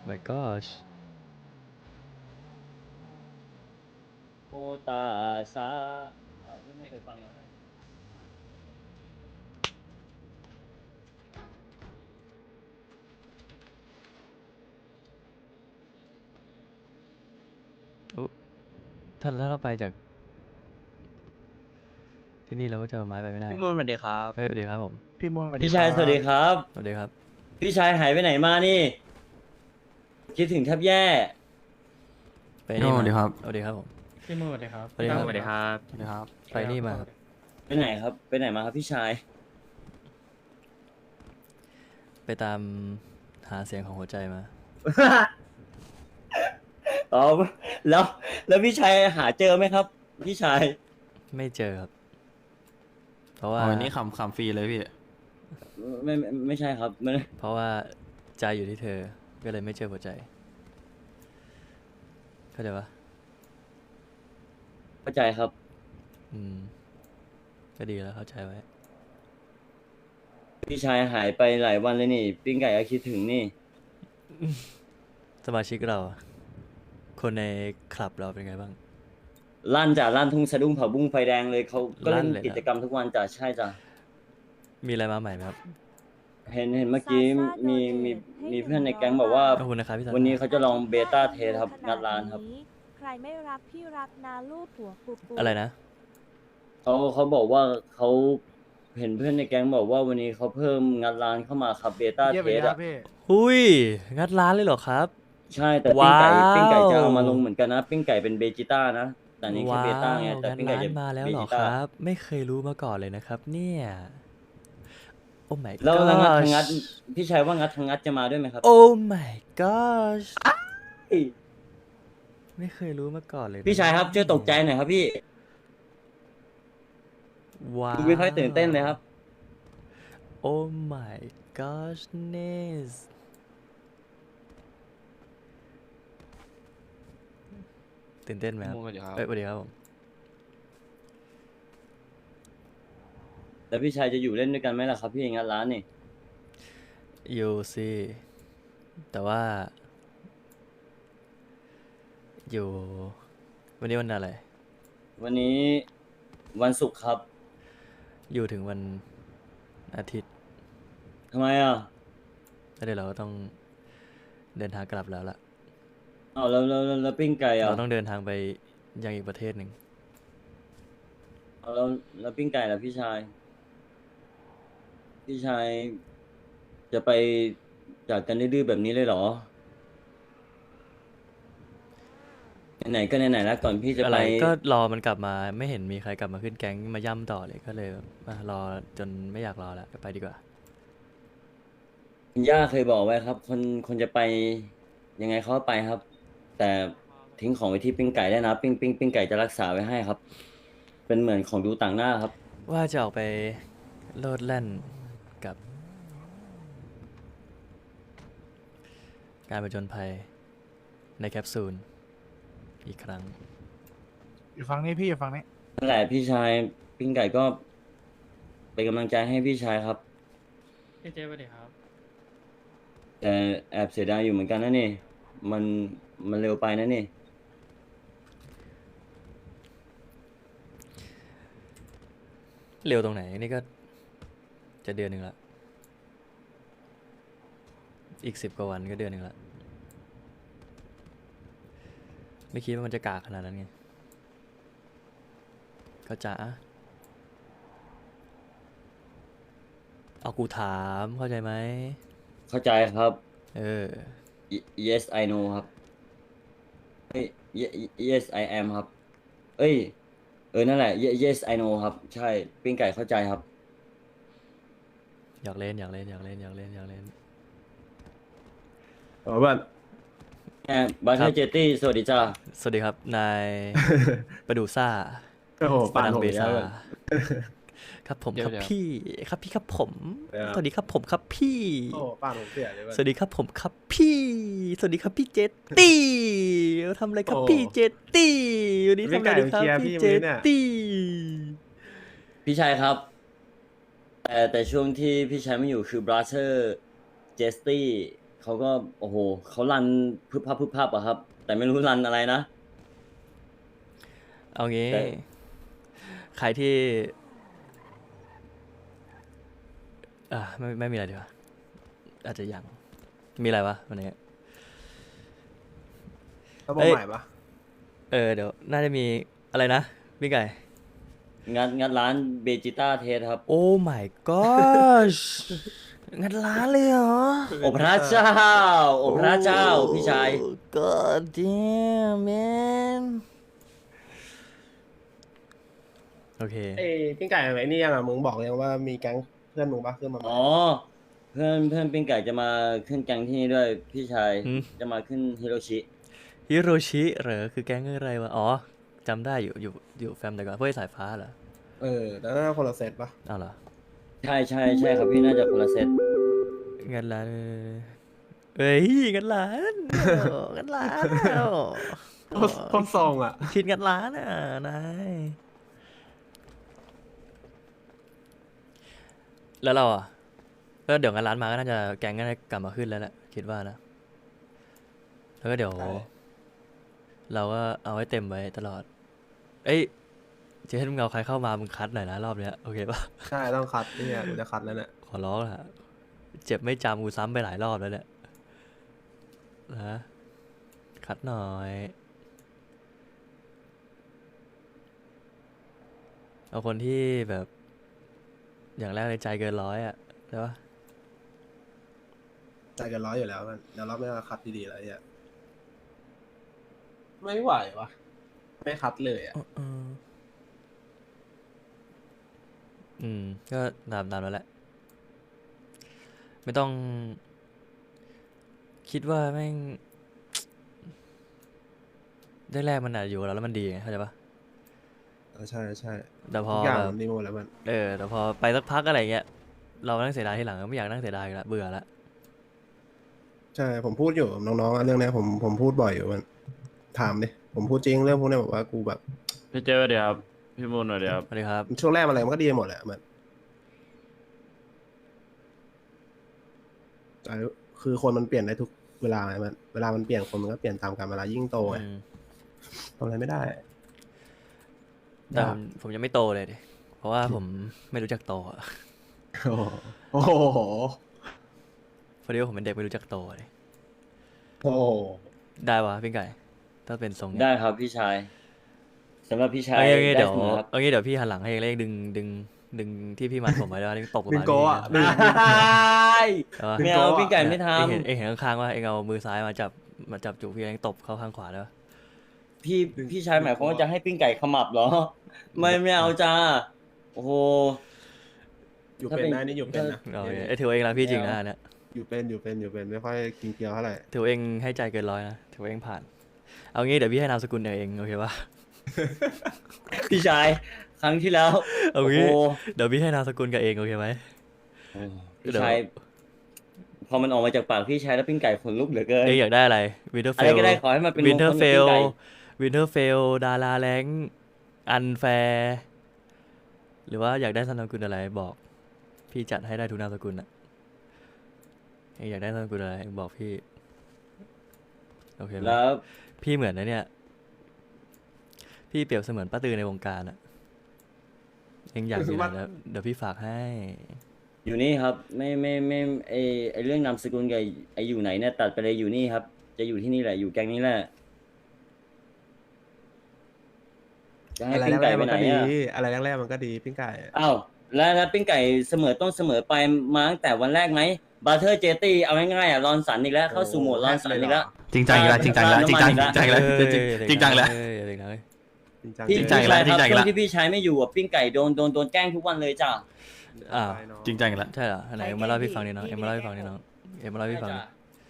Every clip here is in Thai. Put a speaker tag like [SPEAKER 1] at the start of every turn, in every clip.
[SPEAKER 1] my gosh
[SPEAKER 2] โอตาซาไม่เคยฟังเลย
[SPEAKER 1] อุ๊ถ้าเราไปจากที่นี่เราก็จะเอาไม้ไปไม่ได้
[SPEAKER 3] พี่มูนสวัสดีครับ
[SPEAKER 1] เฮ้ยสวัสดีครับผม
[SPEAKER 3] พี่มูนสวัสดี
[SPEAKER 2] พี่
[SPEAKER 3] ค
[SPEAKER 2] ชา
[SPEAKER 3] รั
[SPEAKER 2] ยสวัสดีครับ
[SPEAKER 1] สวัสดีครับ
[SPEAKER 2] พี่ชายหายไปไหนมานี่ คิดถึงแทบแย่
[SPEAKER 1] ไปนี่มา
[SPEAKER 4] สวัสดีครับ
[SPEAKER 1] สวัสดีครับผม
[SPEAKER 3] พี่มูนสวัสดีครับ
[SPEAKER 1] สวัสดีครับ
[SPEAKER 3] สวัสดีครับ
[SPEAKER 4] สวัสดีครับ
[SPEAKER 1] ไปนี่มาครับ
[SPEAKER 2] ไปไหนครับ ไปไหนมาครับพี่ชาย
[SPEAKER 1] ไปตามหาเสียงของหัวใจมา
[SPEAKER 2] อ๋อแล้วพี่ชายหาเจอไหมครับ พี่ชาย
[SPEAKER 1] ไม่เจอครับ เพราะว่า
[SPEAKER 4] อ๋ออันนี้ขำฟรีเลยพี่
[SPEAKER 2] ไม่ใช่ครับมัน
[SPEAKER 1] เพราะว่าใจอยู่ที่เธอ ก็เลยไม่เจอหัวใจ เข้าใจปะ
[SPEAKER 2] เข้าใจครับ
[SPEAKER 1] อืม ก็ดีแล้วเข้าใจไว้
[SPEAKER 2] พี่ชายหายไปหลายวันเลยนี่ ปิ้งไก่ก็คิดถึงนี่
[SPEAKER 1] สมาชิกเรา คนในคลับเราเป็นไงบ้าง
[SPEAKER 2] ลั่นทุ่งสะดุ้งเผาบุ้งไฟแดงเลยเขาก็
[SPEAKER 1] ลั่
[SPEAKER 2] เล่
[SPEAKER 1] น
[SPEAKER 2] น
[SPEAKER 1] เลยนะ
[SPEAKER 2] กิจกรรมทุกวันจ้ะใช่จ้ะ
[SPEAKER 1] มีอะไรมาใหม่ไหมครับ
[SPEAKER 2] เห็นเมื่อกี้มีมีมีเพื่อนในแก๊งบอกว่า
[SPEAKER 1] ขอบคุณนะครับพี่สัน
[SPEAKER 2] วันนี้เขาจะลองเบต้าเทสครับงัดร้านครับ
[SPEAKER 5] ใครไม่รักพี่รักนาลูกหัวปูปู
[SPEAKER 1] อะไรนะ
[SPEAKER 2] เขาบอกว่าเขาเห็นเพื่อนในแก๊งบอกว่าวันนี้เขาเพิ่มงัดร้านเข้ามาครับเบต้า
[SPEAKER 3] เยี่ยม
[SPEAKER 2] เท
[SPEAKER 3] ไป
[SPEAKER 2] ส
[SPEAKER 3] ครั
[SPEAKER 2] อะ
[SPEAKER 3] บพี่
[SPEAKER 1] หุยงัดร้านเลยเหรอครับ
[SPEAKER 2] ใช่แต่
[SPEAKER 1] ว้าว
[SPEAKER 2] ปิ้งไก่จะเอามาลงเหมือนกันนะ ปิ้งไก่เป็นเบจิต้านะ แต่อันนี้แค่เบต้าไงแต่
[SPEAKER 1] งัด
[SPEAKER 2] ปิ้งไก่
[SPEAKER 1] ร้าน
[SPEAKER 2] จะ
[SPEAKER 1] มาแล้ว
[SPEAKER 2] เบ
[SPEAKER 1] เหรอ
[SPEAKER 2] จิ
[SPEAKER 1] ค
[SPEAKER 2] ต้า
[SPEAKER 1] รับ ไม่เคยรู้มาก่อนเลยนะครับ เนี่ย โอ้ my
[SPEAKER 2] แล้วงัด
[SPEAKER 1] gosh
[SPEAKER 2] ทางงัดพี่ชายว่างัดทางงัดจะมาด้วยไหมครับ
[SPEAKER 1] โอ้ my gosh ไม่เคยรู้มาก่อนเลยนะ
[SPEAKER 2] พี่ชายครับช่วยตกใจหน่อยครับพี่
[SPEAKER 1] ว้าว
[SPEAKER 2] ดูไม่ค่อยตื่นเต้นเลยครับ
[SPEAKER 1] โอ้ my goodness ตื่นเต้นไหมครับ
[SPEAKER 4] สวัสดีครับ
[SPEAKER 1] เอ้ยสวัสดีครับผม
[SPEAKER 2] แล้วพี่ชายจะอยู่เล่นด้วยกันไหมล่ะครับพี่งัดร้านนี่
[SPEAKER 1] อยู่สิ แต่ว่า อยู่ วันนี้วันอะไร
[SPEAKER 2] วันนี้วันศุกร์ครับ
[SPEAKER 1] อยู่ถึงวันอาทิตย์
[SPEAKER 2] ทำไมอ่ะ
[SPEAKER 1] แล้วเดี๋ยวเราก็ต้องเดินทางกลับแล้วล่ะ
[SPEAKER 2] อ้าวแล้วปิ้งไก่อ่ะ
[SPEAKER 1] เราต้องเดินทางไปยังอีกประเทศหนึ่ง
[SPEAKER 2] เอาแล้วปิ้งไก่ล่ะพี่ชาย พี่ชายจะไปจากกันดื้อๆแบบนี้เลยเหรอ ไหนๆก็ไหนๆแล้วก่อนพี่จะ
[SPEAKER 1] อะ
[SPEAKER 2] ไป
[SPEAKER 1] ไรก็รอมันกลับมาไม่เห็นมีใครกลับมาขึ้นแก๊งมาย่ำต่อเลยก็เลยรอจนไม่อยากรอแล้วไปดีกว่า
[SPEAKER 2] คุณย่าเคยบอกไว้ครับ คนจะไปยังไงเขาก็ไปครับ แต่ทิ้งของไว้ที่ปิ้งไก่ได้นะปิ้งไก่จะรักษาไว้ให้ครับ เป็นเหมือนของดูต่างหน้าครับ
[SPEAKER 1] ว่าจะออกไปโลดแล่นกับ การผจญภัยในแคปซูลอีกครั้ง
[SPEAKER 3] อยู่ฝั่งนี้พี่อยู่ฝั่งนี้
[SPEAKER 2] นั่นแหละพี่ชายปิ้งไก่ก็เป็นกำลังใจให้พี่ชายครับ
[SPEAKER 3] พี่เจ๊สวัสดีครับ
[SPEAKER 2] แต่แอบเสียดายอยู่เหมือนกันนะนี่ มันเร็วไปนะนี่
[SPEAKER 1] เร็วตรงไหนนี่ก็จะเดือนหนึ่งละอีก10 กว่าวันก็เดือนหนึ่งละไม่คิดว่ามันจะกากขนาดนั้นไงก็จะเอากูถามเข้าใจไหม
[SPEAKER 2] เข้าใจครับ
[SPEAKER 1] เออ
[SPEAKER 2] yes I know ครับเอ้ย yes I am ครับ เอ้ย นั่นแหละ yes I know ครับ ใช่ ปิ้งไก่เข้าใจครับ
[SPEAKER 1] อยากเล่นอยากเล่นอยากเล่นอยากเล่นอยากเล่น
[SPEAKER 6] อ๋อบ้าน
[SPEAKER 2] บาร์
[SPEAKER 1] ครั
[SPEAKER 2] เท
[SPEAKER 1] บ
[SPEAKER 2] เจตี้สวัสดีจ้า
[SPEAKER 1] สวัสดีครับ นาย ประดูซ่า
[SPEAKER 6] โอ้โห
[SPEAKER 1] ปา
[SPEAKER 6] ปาด
[SPEAKER 1] ดัง
[SPEAKER 6] ผม
[SPEAKER 1] เบ
[SPEAKER 6] อีกแล้
[SPEAKER 1] ซาว
[SPEAKER 6] เพื่อน
[SPEAKER 1] ครับผม
[SPEAKER 4] เดี๋
[SPEAKER 1] ค
[SPEAKER 4] ยว
[SPEAKER 1] รับ
[SPEAKER 4] เดี๋ยว
[SPEAKER 1] พี่ครับพี่ครับผม
[SPEAKER 6] เดี๋ยว
[SPEAKER 1] สวัสดีครับผมครับพี่
[SPEAKER 6] โอ้โหปาดผมเสียเลยเพื่อน
[SPEAKER 1] สวัสดีครับผมครับพี่ สวัสดีครับพี่เจตตี้ทำอะไรครับ
[SPEAKER 6] โอ้
[SPEAKER 1] พี่เจตตี้วันนี้
[SPEAKER 6] พี่
[SPEAKER 1] ทำ
[SPEAKER 6] ไก่
[SPEAKER 1] อะไรดีครับ
[SPEAKER 6] เคลียร์
[SPEAKER 1] พี่
[SPEAKER 6] พี่
[SPEAKER 1] เจ
[SPEAKER 6] มื้
[SPEAKER 1] ต
[SPEAKER 6] อเนี่ย
[SPEAKER 1] ตี้
[SPEAKER 2] พี่ชายครับ แต่ช่วงที่พี่ชายไม่อยู่คือบราเธอร์เจสตี้เขาก็โอ้โหเขารันพึบพับพึบพับอะครับ แต่ไม่รู้รันอะไรนะ
[SPEAKER 1] เอางี้
[SPEAKER 2] แต่
[SPEAKER 1] ใครที่ไม่มีอะไรดีกว่าอาจจะยังมีอะไรวะวันนี้
[SPEAKER 6] เขาบอก
[SPEAKER 1] เอ้ย
[SPEAKER 6] ใหม่ปะ
[SPEAKER 1] เดี๋ยวน่าจะมีอะไรนะพี่ไก่
[SPEAKER 2] งัดร้านเบจิต้าเทสครับ
[SPEAKER 1] โอ้ my gosh งัดร้านเลยเหรอ
[SPEAKER 2] โอ้พระเจ้า โอ้พระเจ้าพี่ชาย
[SPEAKER 1] Oh, God damn man โอเค
[SPEAKER 6] เอ้ยพี่ไก่ไอ้นี่ยังอ่ะมึงบอกยังว่ามีแก๊งเพื่อนมึงปะขึ้นมาใหม่
[SPEAKER 2] อ๋อ เพื่อนปิ้งไก่จะมาขึ้นแก๊งที่นี่ด้วยพี่ชาย
[SPEAKER 1] หืม
[SPEAKER 2] จะมาขึ้นฮิโรชิ
[SPEAKER 1] ฮิโรชิเหรอคือแก๊งอะไรวะ อ๋อจำได้อยู่แฟมแต่ก่อนพวกไอ้สายฟ้าเหรอ
[SPEAKER 6] แต่น่าคนละเซตปะ
[SPEAKER 1] เอาเหรอ
[SPEAKER 2] ใช่ครับพี่น่าจะคนละเซต
[SPEAKER 1] งัดร้านเอ้ยงัดร้านงัดร้าน
[SPEAKER 6] คนซองอ่ะ
[SPEAKER 1] คิดงัดร้านอ่ะนายแล้วเราอ่ะก็เดี๋ยวงัดร้านมาก็น่าจะแก๊งก็น่าจะกลับมาขึ้นแล้วแหละคิดว่านะแล้วก็เดี๋ยว
[SPEAKER 6] ใช่
[SPEAKER 1] เราก็เอาไว้เต็มไว้ตลอด เอ้ยเจ๊ให้มึงเอาใครเข้ามามึงคัดหน่อยนะรอบเนี้ยโอเคปะ
[SPEAKER 6] ใช่ต้องคัดเนี่ยกูจะคัดแล้วเนี่ย
[SPEAKER 1] ขอร้องละเจ็บไม่จำกูซ้ำไปหลายรอบแล้วเนี่ยนะคัดหน่อย เอาคนที่แบบ อย่างแรกเลยใจเกินร้อยอ่ะใช่ปะ
[SPEAKER 6] ใจเกันร้อยอยู่แล้วมันเดี๋ยวรอบนี้เราคัดดีๆแล้วเนี่ยไม่ไหววะไม่คัดเลยอ่ะ
[SPEAKER 1] ก็ตามแล้วแหละ ไม่ต้อง คิดว่าแม่ง ได้แรกมันอาจจะอยู่กับเราแล้วมันดีไงเข้าใจปะ
[SPEAKER 6] ใช่ใช่
[SPEAKER 1] แต่พอ
[SPEAKER 6] ทุกอย่าง
[SPEAKER 1] แบบ
[SPEAKER 6] มันดีหมดแล้วมัน
[SPEAKER 1] แต่พอไปสักพักอะไรเงี้ย เรานั่งเสียดายทีหลังก็ไม่อยากนั่งเสียดายอีกละเบื่อละ
[SPEAKER 6] ใช่ผมพูดอยู่กับน้องๆอะเรื่องเนี้ยผมพูดบ่อยอยู่มันถามดิผมพูดจริงเรื่องพวกเนี้ยบอกว่ากูแบบ
[SPEAKER 4] พี่เจอเดี๋ยวครับ พี่มูนเดี๋ยวครับ
[SPEAKER 1] สวัสดีครับ
[SPEAKER 6] ช่วงแรกอะไรมันก็ดีหมดแหละมันแต่คือคนมันเปลี่ยนได้ทุกเวลาไงมันเวลามันเปลี่ยนคนมันก็เปลี่ยนตามกาลเวลายิ่งโตไง
[SPEAKER 1] อืม
[SPEAKER 6] ทำอะไรไม่ได้
[SPEAKER 1] แต่
[SPEAKER 6] ยาก
[SPEAKER 1] ผมยังไม่โตเลยดิ เพราะว่าผมไม่รู้จักโตอะ
[SPEAKER 6] โอ้โห
[SPEAKER 1] พอดีว่าผมเป็นเด็กไม่รู้จักโตเลย
[SPEAKER 6] โอ้โห
[SPEAKER 1] ได้วะพี่ไก่ ถ้าเป็นทรงเนี้ย
[SPEAKER 2] ได้ครับพี่ชายสำหรับพี่ชาย
[SPEAKER 1] เอางี้
[SPEAKER 2] ได้
[SPEAKER 1] เดี๋ยว
[SPEAKER 2] เสมอครับ
[SPEAKER 1] เอางี้เดี๋ยวพี่หันหลังให้เองแล้วเองดึงที่พี่มัดผมไว้แล้วนี่ตบกับ
[SPEAKER 6] ดึง
[SPEAKER 1] มา
[SPEAKER 6] โกะอะ
[SPEAKER 1] พี่
[SPEAKER 6] ดึง
[SPEAKER 1] ได้ปะ
[SPEAKER 2] ไม่เอาพี่ไก่ไม่ท
[SPEAKER 1] เองเห็นข้างๆว่าเองเอามือซ้ายมาจับจุกพี่เองตบเข้าข้างขวาได้ปะ
[SPEAKER 2] ำพี่ชายหมายความว่าจะให้ปิ้งไก่ขมับเหรอ ไม่เอาจ้า โอ้โห
[SPEAKER 6] อยู่เป็นนะนี่อยู่เป็นนะ
[SPEAKER 1] เอาไอ้ถือว่าเองรักพี่จริงนะอันเนี่ย
[SPEAKER 6] อยู่เป็นไม่ค่อยกินเกลียวเท่าไหร่
[SPEAKER 1] ถือว่าเองให้ใจเกินร้อยนะถือว่าเองผ่าน เอางี้เดี๋ยวพี่ให้นามสกุลเองโอเคปะ
[SPEAKER 2] พี่ชายครั้งที่แล้ว
[SPEAKER 1] เอา
[SPEAKER 2] โอ้
[SPEAKER 1] งี้
[SPEAKER 2] โห
[SPEAKER 1] เดี๋ยวพี่ให้นามสกุลกับเองโอเคไหม
[SPEAKER 2] พี่ชายพอมันออกมาจากปากพี่ชายแล้วปิ้งไก่ขนลุกเหลือเกิน
[SPEAKER 1] เองอยากได้อะไรวินเทอร์เฟ
[SPEAKER 2] อะไร
[SPEAKER 1] ล
[SPEAKER 2] ก็ได้ขอให้มันเป็น
[SPEAKER 1] วินเทอ
[SPEAKER 2] ม
[SPEAKER 1] ร์
[SPEAKER 2] ง
[SPEAKER 1] เฟ
[SPEAKER 2] คล
[SPEAKER 1] ล
[SPEAKER 2] กับปิ้งไก่
[SPEAKER 1] วินเทอร์เฟลดาราแรงอันแฟร์หรือว่าอยากได้นามสกุลอะไรบอก พี่จัดให้ได้ทุกนามสกุลอะเองอยากได้นามสกุลอะไรเองบอกพี่โอเคไหม
[SPEAKER 2] แล้ว
[SPEAKER 1] พี่เหมือนนะเนี่ย พี่เปรียบเสมือนป้าตือในวงการอะเองอยากอยู่ไหนแล้วเดี๋ยวพี่ฝากให้
[SPEAKER 2] อยู่นี่ครับ ไม่ไอเรื่องนามสกุลกับไออยู่ไหนเนี่ยตัดไปเลยอยู่นี่ครับ จะอยู่ที่นี่แหละอยู่แก๊งนี้แหละจะให้
[SPEAKER 6] อะไร
[SPEAKER 2] ปิ้ง
[SPEAKER 6] แร
[SPEAKER 2] ไก่
[SPEAKER 6] กๆ
[SPEAKER 2] ไป
[SPEAKER 6] มัน
[SPEAKER 2] ไหน
[SPEAKER 6] ก็ดี
[SPEAKER 2] อ่ะ
[SPEAKER 6] อะไรแรกๆมันก็ดีปิ้งไก่
[SPEAKER 2] อ้าวแล้วปิ้งไก่เสมอต้นเสมอไปมาตั้งแต่วันแรกไหมบาร์เทอร์เจตี้เอาง่ายๆอ่ะรอนสันอีกแล้วเข้าสู่โหมดรอนสันอีกแล้ว
[SPEAKER 4] จริงจังอีกแล้วจริงจังอีกแล้วจริงจังจริงจังอีกแล้วจริงจังอีกแล้ว
[SPEAKER 1] เด็กน้อย
[SPEAKER 6] จริงจัง
[SPEAKER 2] พี่
[SPEAKER 4] จริงจังอีกแล้ว
[SPEAKER 2] พี่ชายครับ
[SPEAKER 4] จริงจังอีกแล้ว
[SPEAKER 2] ช่วงที่พี่ชายไม่อยู่อ่ะปิ้งไก่โดนแกล้งทุกวันเลยจ้ะ
[SPEAKER 1] อ้าว
[SPEAKER 4] จริงจังอีกแล้ว
[SPEAKER 1] ใช่เหรอไหนเอ็มมาเล่าให้พี่ฟังดิน้องเอ็มมาเล่าให้พี่ฟังดิน้องเอ็มมาเล่าให้พี่ฟังดิ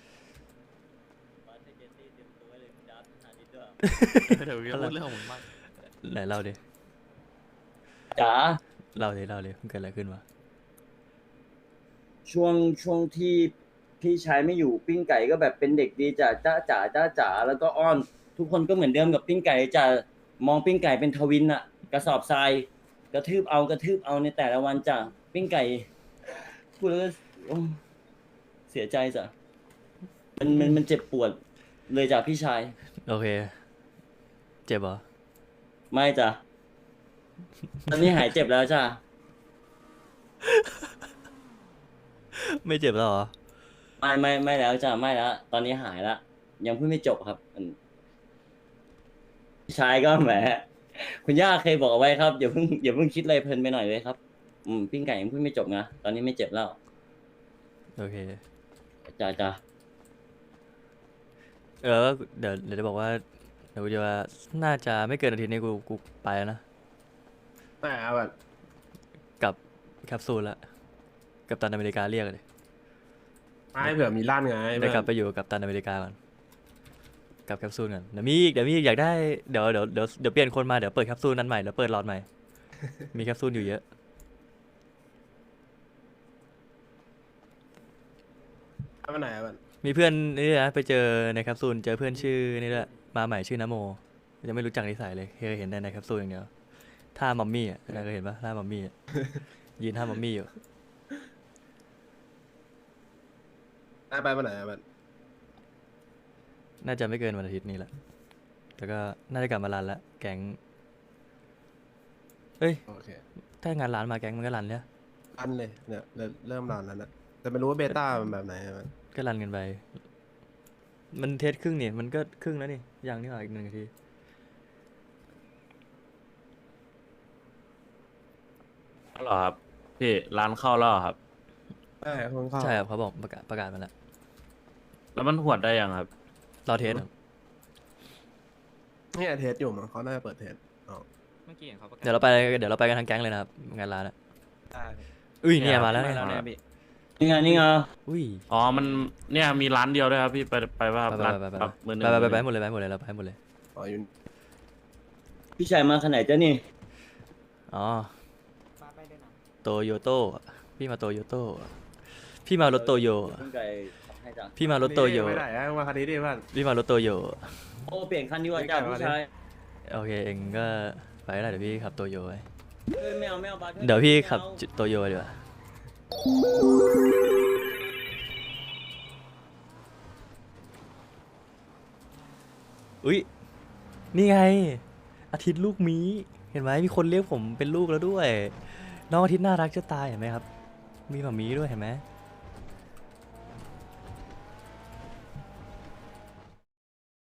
[SPEAKER 4] เดี๋ยวพูดเรื่องของมึงบ้าง
[SPEAKER 1] ไหนเล่าดิ
[SPEAKER 2] จ๋า
[SPEAKER 1] เล่าดิมันเกิดอะไรขึ้นวะ
[SPEAKER 2] ช่วงที่พี่ชายไม่อยู่ปิ้งไก่ก็แบบเป็นเด็กดีจ้ะจ้าแล้วก็อ้อน ทุกคนก็เหมือนเดิมกับปิ้งไก่จ้ะมองปิ้งไก่เป็นทวินอะกระสอบทรายกระทืบเอาในแต่ละวันจ้ะปิ้งไก่พูดแล้วก็โอ้เสียใจจ้ะมันเจ็บปวดเลยจากพี่ชาย
[SPEAKER 1] โอเค เจ็บเหรอ
[SPEAKER 2] ไม่จ้ะ ตอนนี้หายเจ็บแล้วจ้ะ
[SPEAKER 1] ไม่เจ็บแล้วเหรอ
[SPEAKER 2] ไม่แล้วจ้ะไม่แล้ว ตอนนี้หายละยังพูดไม่จบครับพี่ชายก็แหมคุณย่าเคยบอกเอาไว้ครับอย่าเพิ่งคิดอะไรเพลินไปหน่อยเลยครับปิ้งไก่ยังพูดไม่จบนะตอนนี้ไม่เจ็บแล้ว
[SPEAKER 1] โอเค
[SPEAKER 2] จ้ะ
[SPEAKER 1] เดี๋ยวจะบอกว่าเดี๋ยวกูจะว่าน่าจะไม่เกินอาทิตย์นี้กูไปแล้วนะ
[SPEAKER 6] แต่แบบ
[SPEAKER 1] กับแคปซูลละกับตันอเมริกาเรียกเลย
[SPEAKER 6] ไม่เผื่อมีลั่นไง
[SPEAKER 1] ได้กลับไปอยู่กับตันอเมริกาก่อนกับแคปซูลก่อนเดี๋ยวมีอีกอยากได้เดี๋ยวเปลี่ยนคนมาเดี๋ยวเปิดแคปซูลนั้นใหม่เดี๋ยวเปิดหลอดใหม่ มีแคปซูลอยู่เยอะ
[SPEAKER 6] ไปไหนอะมัน
[SPEAKER 1] มีเพื่อนนี่นะไปเจอในแคปซูลเจอเพื่อนชื่อนี่แหละมาใหม่ชื่อนโมยังไม่รู้จักนิสัยเลยเคยเห็นในแคปซูลอย่างเดียวท่ามัมมี่อ่ะเคยเห็นปะท่ามัมมี่อ่ะ ยืนท่ามัมมี่อยู่
[SPEAKER 6] ไปไหนอะมัน
[SPEAKER 1] น่าจะไม่เกินวันอาทิตย์นี้แหละแล้วก็น่าจะกลับมารันละแก๊งเอ้ย
[SPEAKER 6] โอเค
[SPEAKER 1] ถ้างานร้านมาแก๊งมันก็รันเนี่ย
[SPEAKER 6] ลั่นเลยเนี่ยเริ่มลั่นแล้วนะแต่ไม่รู้ว่าเบต้ามันแบบไหนอะมัน
[SPEAKER 1] ก็รันกันไป มันเทสครึ่งนี่มันก็ครึ่งแล้วนี่ยังนี่หว่าอีก1 นาที
[SPEAKER 7] เหรอครับพี่ร้านเข้าแล้วเหรอครับ
[SPEAKER 6] ใช่คนเข้า
[SPEAKER 1] ใช่ครับเขาบอกประกาศมาแล้ว
[SPEAKER 7] แล้วมันหวดได้ยังครับ
[SPEAKER 1] รอเทสครับ
[SPEAKER 6] เนี่ยเทสอยู่มั้งเขาน่าจะเปิดเทสอ๋อ
[SPEAKER 4] เมื่อกี้เห็นเขาประกาศ
[SPEAKER 1] เดี๋ยวเราไปกันทั้งแก๊งเลยนะครับงานร้านอะ
[SPEAKER 6] ได้
[SPEAKER 1] อุ้ยเนี่ยมาแล้ว
[SPEAKER 7] ไม่
[SPEAKER 1] เนี่ย
[SPEAKER 7] แล้วเนี่ยพี่
[SPEAKER 2] นี่ไง
[SPEAKER 1] อุ้ย
[SPEAKER 7] อ๋อมันเนี่ยมีร้านเดียวด้วยครับพี่ไปว่า
[SPEAKER 1] ไป
[SPEAKER 7] ร้าน
[SPEAKER 1] ไป
[SPEAKER 7] แบบมือหนึ่ง
[SPEAKER 1] ไปหมดเลยเราไปหมดเลย
[SPEAKER 6] อ๋ออยู่
[SPEAKER 2] พี่ชายมาขนาดไหนจ้ะนี่
[SPEAKER 1] อ๋อโตโยโต้พี่มาโตโยโต้พี่มารถโตโย
[SPEAKER 2] ปิ้งไก่ให้จ้ะ
[SPEAKER 1] พี่มารถโตโย
[SPEAKER 6] ไปไหนอะมาคันนี้ดิเพื่อน
[SPEAKER 1] พี่มารถโตโย
[SPEAKER 2] โอ้เปลี่ยนคันดีกว่าจ้ะพี่ชาย
[SPEAKER 1] โอเคเองก็ไปได้เดี๋ยวพี่ขับโตโยไว้
[SPEAKER 2] ไม่เอาบาส
[SPEAKER 1] เดี๋ยวพี่ขับ
[SPEAKER 2] ไม่เอา
[SPEAKER 1] โตโยดีกว่าอุ้ยนี่ไง อาทิตย์ลูกหมีเห็นไหมมีคนเรียกผมเป็นลูกแล้วด้วย น้องอาทิตย์น่ารักจะตายเห็นไหมครับ มีหมามีด้วยเห็นไหม